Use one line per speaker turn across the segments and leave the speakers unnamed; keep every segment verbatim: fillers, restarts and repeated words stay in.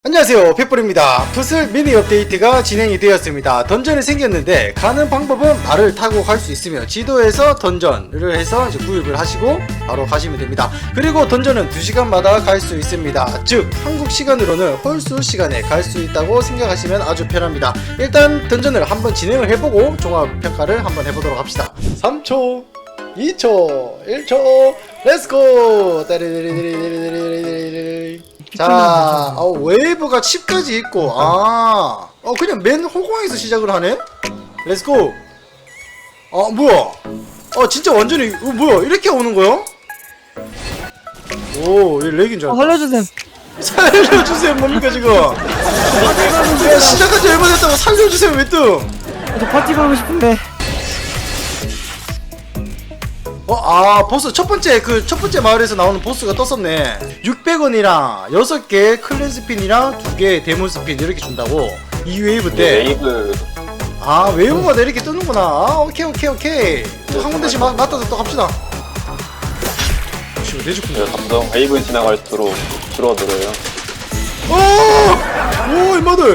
안녕하세요, 펫볼입니다. 풋을 미니 업데이트가 진행이 되었습니다. 던전이 생겼는데 가는 방법은 말을 타고 갈 수 있으며 지도에서 던전을 해서 이제 구입을 하시고 바로 가시면 됩니다. 그리고 던전은 두 시간마다 갈 수 있습니다. 즉 한국 시간으로는 홀수 시간에 갈 수 있다고 생각하시면 아주 편합니다. 일단 던전을 한번 진행을 해보고 종합평가를 한번 해보도록 합시다. 삼 초, 이 초, 일 초, 렛츠고! 자, 어, 웨이브가 칩까지 있고, 아, 어, 그냥 맨 호공에서 시작을 하네? 렛츠고! 아, 뭐야? 어, 진짜 완전히, 어, 뭐야? 이렇게 오는 거야? 오, 얘 렉인 줄
아,
알았다.
살려주셈.
살려주세요, 뭡니까, 지금? 야, 시작한 지 얼마 됐다고 살려주세요, 왜 뜸?
저 파티 가고 싶은데.
어, 아, 보스, 첫 번째, 그, 첫 번째 마을에서 나오는 보스가 떴었네. 육백 원이랑 여섯 개 클랜 스핀이랑 두 개 데몬 스핀 이렇게 준다고. 이 웨이브 때.
웨이브
아, 웨이브마다 이렇게 뜨는구나. 아, 오케이, 오케이, 오케이. 또 한 군데씩 마, 맞다서 또 갑시다. 혹시 내주군요.
감정 웨이브 지나갈수록 줄어들어요.
오! 오, 임마들!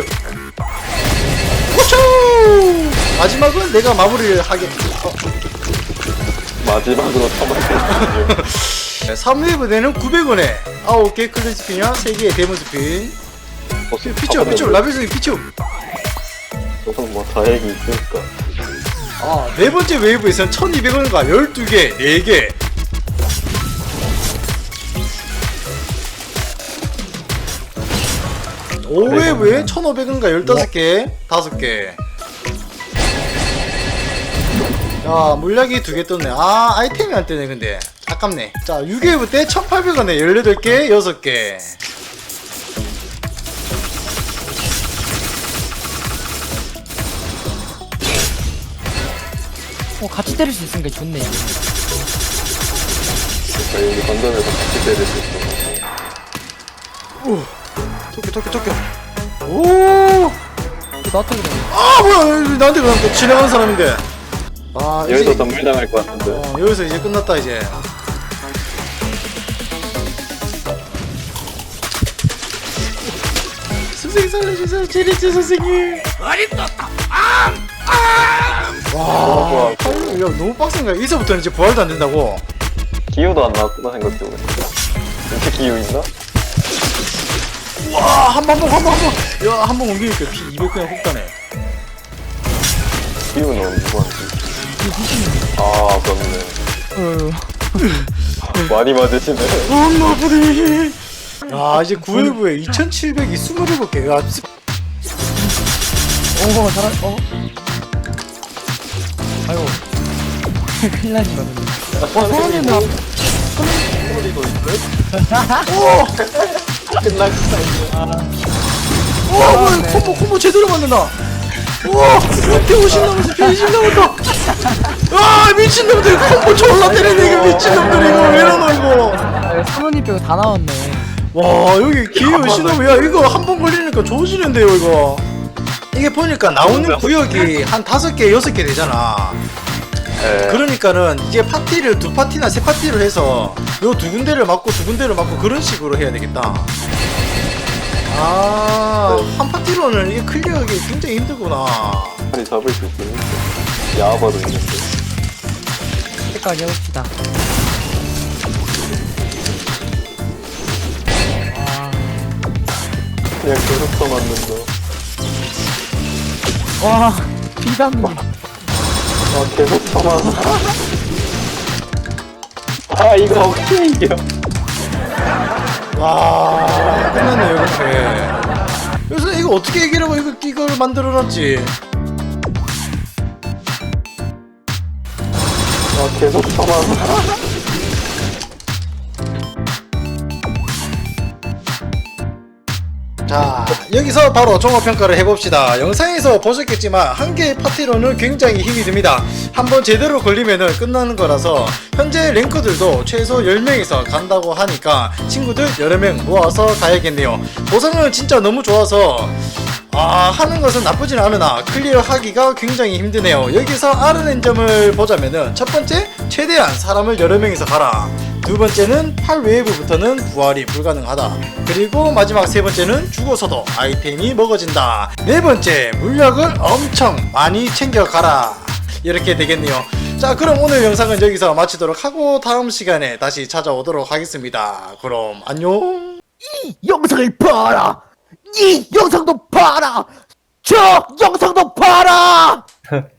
호초! 마지막은 내가 마무리를 하게. 어.
마지막으로 처먹었거든요.
삼 웨이브에는 구백 원에 아홉 개 클랜 스핀이랑 세 개의 데몬 스핀. 피쳐, 피쳐, 라벨송이 피쳐.
조금 뭐 다행이 있으니까.
아, 네 번째 웨이브에서는 천이백 원과 열두 개, 네 개. 오 웨이브에 천오백 원과 열다섯 개, 다섯 개. 야, 물약이 두 개 떴네. 아, 아이템이 안 뜨네, 근데. 아깝네. 자, 육 웨이브 때 천팔백 원에 열여덟 개, 여섯 개.
어, 같이 때릴 수 있으니까 좋네.
그러니까 여기 던전에서 같이 때릴 수 있어.
오, 토끼, 토끼, 토끼. 오!
나한테 그래.
아, 뭐야, 나한테 그럼 또 지나가는 사람인데. 아,
여기서
이제,
덤빌 당할 것 같은데.
어, 여기서 이제 끝났다, 이제. 선생님 살려주세요, 제리치 선생님. 와, 팔- 야, 너무 빡센가? 이제부터는 이제 부활도 안 된다고.
기후도 안 나왔구나 생각해보면. 진짜 기후 있나?
와, 한 번, 한 번, 한 번. 야, 한 번 옮기니까 피 이백 그냥 훅 가네.
기후는 누구한테? 아 그렇네.
어,
많이 맞으시네.
엄마 부리. 야, 이제 구 웨이브에 이천칠백이 이십칠 개. 야, 스-
어, 잘하, 어. 아이고. 큰일 나신 거네. 어, 사람이 나.
소리도 있네.
오!
끝나겠다 이제.
와, 뭐야, 콤보, 콤보 제대로 만든다. 우와, 백오십 남았어, 백이십 남았다. 아, 미친놈들, 콤보 졸라 때리네, 이거 미친놈들, 이거 왜 이러노, 이거.
사모님 빼고 다 나왔네.
와, 여기 기회 신호부, 야, 이거 한 번 걸리니까 좋아지는데요, 이거. 이게 보니까 나오는 구역이 한 다섯 개, 여섯 개 되잖아.
네.
그러니까는 이제 파티를 두 파티나 세 파티를 해서 요 두 군데를 맞고 두 군데를 맞고 그런 식으로 해야 되겠다. 아, 한 파티로는 이게 클리어하기 굉장히 힘들구나.
빨리 잡을 수 있으면 야바도 있는데.
끝까지 해봅시다.
그냥 계속 쳐맞는 거.
와, 비담님.
아 계속 쳐맞아. 아 이거 어떻게 이겨?
와, 끝났네, 이렇게. 그래서 이거 어떻게 이기려고 이거, 이걸 만들어놨지?
아 계속 쳐맞아.
자, 여기서 바로 종합평가를 해봅시다. 영상에서 보셨겠지만 한 개의 파티로는 굉장히 힘이 듭니다. 한번 제대로 걸리면은 끝나는 거라서 현재 랭커들도 최소 열 명이서 간다고 하니까 친구들 여러 명 모아서 가야겠네요. 보상은 진짜 너무 좋아서 아, 하는 것은 나쁘진 않으나 클리어 하기가 굉장히 힘드네요. 여기서 알아낸 점을 보자면은 첫 번째, 최대한 사람을 여러 명이서 가라. 두 번째는 팔 외부부터는 부활이 불가능하다. 그리고 마지막 세 번째는 죽어서도 아이템이 먹어진다. 네 번째, 물약을 엄청 많이 챙겨가라. 이렇게 되겠네요. 자, 그럼 오늘 영상은 여기서 마치도록 하고 다음 시간에 다시 찾아오도록 하겠습니다. 그럼 안녕.
이 영상을 봐라. 이 영상도 봐라. 저 영상도 봐라.